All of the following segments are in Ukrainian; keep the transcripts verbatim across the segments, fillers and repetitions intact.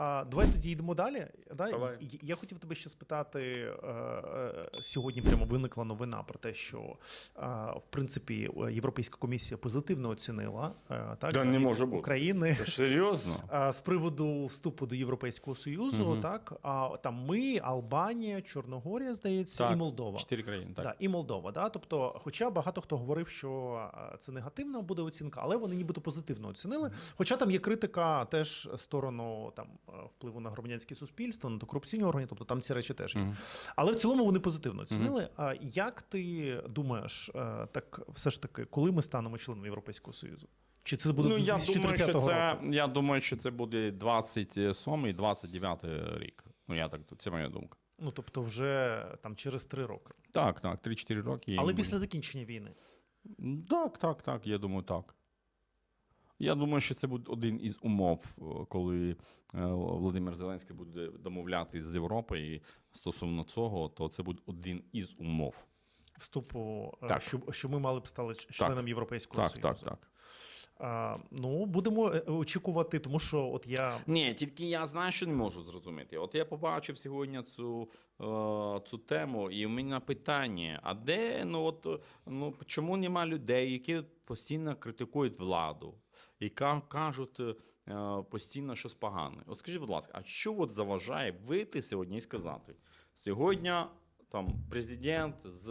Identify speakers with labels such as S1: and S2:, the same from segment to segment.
S1: А, давай тоді йдемо далі. Да?
S2: Давай.
S1: Я, я хотів тебе ще спитати, е, е, сьогодні прямо виникла новина про те, що е, в принципі Європейська комісія позитивно оцінила е, так,
S2: Да, не може бути.
S1: України
S2: Та серйозно?
S1: е, з приводу вступу до Європейського Союзу.
S2: Угу.
S1: Так? А, там ми, Албанія, Чорногорія, здається,
S2: Так,
S1: і Молдова.
S2: Чотири країни, так.
S1: Да, і Молдова. Да? Тобто, хоча багато хто говорив, що це негативна буде оцінка, але вони нібито позитивно оцінили. Хоча там є критика теж сторону там впливу на громадянське суспільство, на корупційні органи, тобто там ці речі теж є. Mm-hmm. Але в цілому вони позитивно оцінили. А mm-hmm. як ти думаєш, так все ж таки, коли ми станемо членом Європейського Союзу? Чи це буде
S2: ну,
S1: дві тисячі тридцятого
S2: я думаю, що це,
S1: року?
S2: я думаю, що це буде двадцять сьомий - двадцять дев'ятий рік. Ну, я так, це моя думка.
S1: Ну, тобто вже там через три роки.
S2: Так, так, три-чотири роки.
S1: Але після закінчення війни?
S2: Так, так, так, я думаю, так. Я думаю, що це буде один із умов, коли Володимир Зеленський буде домовлятися з Європою стосовно цього, то це буде один із умов.
S1: Вступу,
S2: так.
S1: Що, що ми мали б стати членом
S2: так.
S1: Європейського
S2: так,
S1: Союзу.
S2: Так, так, так.
S1: А, ну, будемо очікувати, тому що от я...
S2: Ні, тільки я знаю, що не можу зрозуміти. От я побачив сьогодні цю, цю тему, і у мене питання, а де, ну от, ну, чому нема людей, які постійно критикують владу, і кажуть постійно щось погане? От скажіть, будь ласка, а що от заважає вийти сьогодні і сказати? Сьогодні там президент з,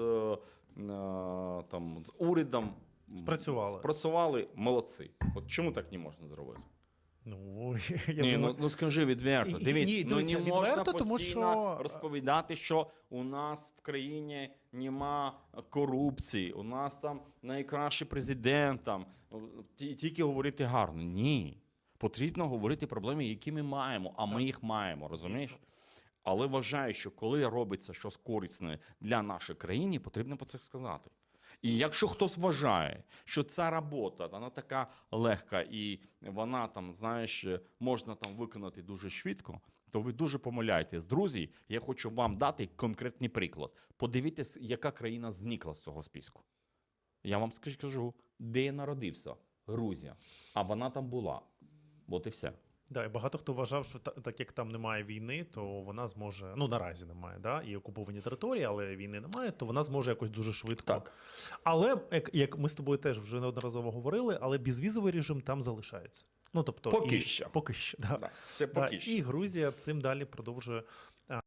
S2: там, з урядом
S1: Спрацювали.
S2: Спрацювали, молодці. От чому так не можна зробити?
S1: Ну, я
S2: ні,
S1: думаю...
S2: ну, ну скажи відверто. Дивись,
S1: ні,
S2: ну не
S1: відверто,
S2: можна
S1: тому
S2: постійно
S1: що...
S2: розповідати, що у нас в країні нема корупції, у нас там найкращий президент, там, тільки говорити гарно. Ні. Потрібно говорити проблеми, які ми маємо, а ми їх маємо, розумієш? Але вважаю, що коли робиться щось корисне для нашої країни, потрібно про це сказати. І якщо хтось вважає, що ця робота, вона така легка і вона там, знаєш, можна там виконати дуже швидко, то ви дуже помиляєтесь. Друзі, я хочу вам дати конкретний приклад. Подивіться, яка країна зникла з цього списку. Я вам скажу, де я народився. Грузія. А вона там була. От і все.
S1: Да, і багато хто вважав, що та, так як там немає війни, то вона зможе, ну наразі немає, да, і окуповані території, але війни немає, то вона зможе якось дуже швидко.
S2: Так.
S1: Але, як, як ми з тобою теж вже неодноразово говорили, але безвізовий режим там залишається. Ну, тобто,
S2: поки
S1: і,
S2: що.
S1: Поки що, да.
S2: Да, це поки
S1: да,
S2: що.
S1: І Грузія цим далі продовжує